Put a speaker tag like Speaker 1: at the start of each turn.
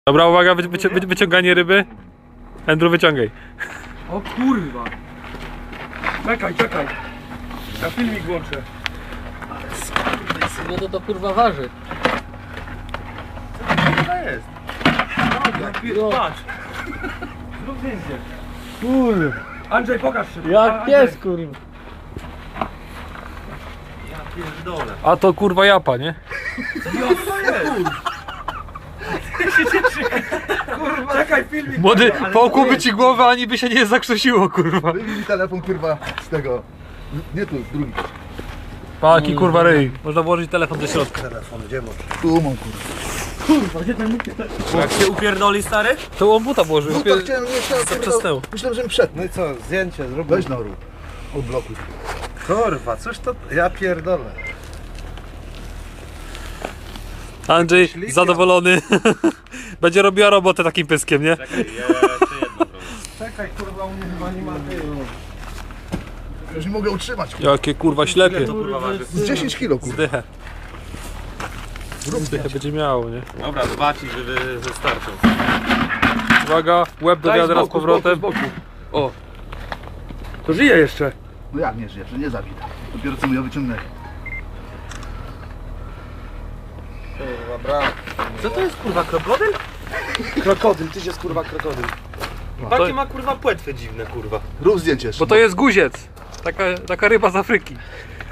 Speaker 1: Dobra, uwaga, wyciąganie ryby. Andrew, wyciągaj.
Speaker 2: O kurwa. Czekaj. Ja filmik włączę.
Speaker 3: No to kurwa waży.
Speaker 2: Co jest? Patrz. Zrób zdjęcie.
Speaker 3: Kurwa.
Speaker 2: Andrzej, pokaż się.
Speaker 3: Jak pies kurwa.
Speaker 2: Ja pierdolę.
Speaker 1: A to kurwa japa, nie?
Speaker 2: Kurwa, czekaj, filmik.
Speaker 1: Młody, połkłoby ci głowę, ani by się nie zakrztusiło, kurwa.
Speaker 4: Wyjmij mi telefon, kurwa, z tego. Nie tu, drugi.
Speaker 1: Paki, kurwa, ryj. Można włożyć telefon do środka.
Speaker 4: Telefon, gdzie masz? Tu mam, kurwa.
Speaker 2: Jak się upierdoli, stary?
Speaker 1: To on buta włożył.
Speaker 4: No to chciałem, nie chciałem,
Speaker 1: Zaczasnęło.
Speaker 4: myślałem, że mi przed.
Speaker 5: No i co, zdjęcie zrób.
Speaker 4: Weź na rób. Odblokuj.
Speaker 5: Kurwa, cóż to... Ja pierdolę.
Speaker 1: Andrzej, zadowolony. Będzie robiła robotę takim pyskiem, nie?
Speaker 5: Czekaj, kurwa, u mnie chyba nie ma tyłu.
Speaker 4: Już nie mogę utrzymać, kurwa.
Speaker 1: Jakie kurwa ślepie.
Speaker 4: Z 10 kilo, kurwa.
Speaker 1: Zdychę. Zdychę będzie miało, nie?
Speaker 2: Dobra, zobaczyć, żeby wystarczył.
Speaker 1: Uwaga, łeb do wiadra z powrotem.
Speaker 2: O. To żyje jeszcze.
Speaker 4: No jak nie żyje, że nie zabita. Dopiero co mu ją wyciągnęli.
Speaker 5: Kurwa, brawo.
Speaker 2: Co to jest, kurwa, krokodyl?
Speaker 5: Krokodyl, tyś jest kurwa krokodyl.
Speaker 2: Takie ma, kurwa, płetwy dziwne, kurwa.
Speaker 4: Rób zdjęcie jeszcze.
Speaker 1: Bo to jest guziec. Taka ryba z Afryki.